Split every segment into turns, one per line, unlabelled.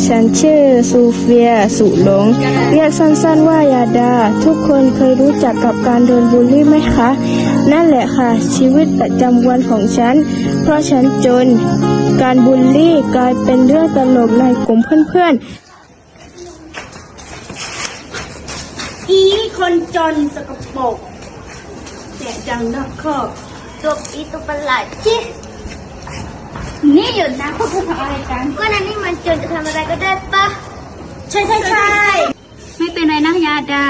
ฉันชื่อซูเฟียสุหลงเรียกสั้นๆว่ายาดาทุกคนเคยรู้จักกับการโดนบูลลี่ไหมคะนั่นแหละค่ะชีวิตประจำวันของฉันเพราะฉันจนการบูลลี่กลายเป็นเรื่องตลกในกลุ่มเพื่อนๆอีคนจนสกปรกแจกจังนอกคอก
ตัวอีตัวประหลาดจิ
นี่หยุดนะพวกคุณทำอะไรกัน
ก็นั่นนี่มันจนจะทำอะไรก็ได้ปะ
ใช่ไม่เป็นไรนะยาดา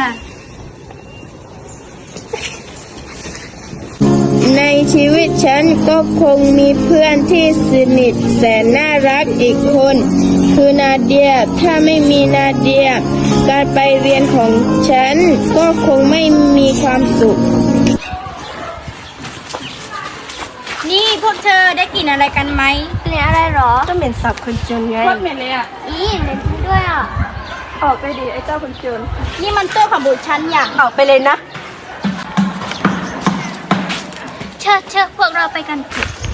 ในชีวิตฉันก็คงมีเพื่อนที่สนิทแสนน่ารักอีกคนคือนาเดียถ้าไม่มีนาเดียการไปเรียนของฉันก็คงไม่มีความสุข
นี่พวกเธอได้กลิ่นอะไรกันไหมกลิ่นอะไรหรอ
ก็เหม็นสับคนจนไง
โคตรเหม็นเลยอ่ะ
เหม็นด้วยอ่ะ
ออกไปดิไอ้เจ้าคนจน
นี่มันตัวของบุตรฉันอย่าง
ออกไปเลยนะ
เชิญพวกเราไปกันเถอะ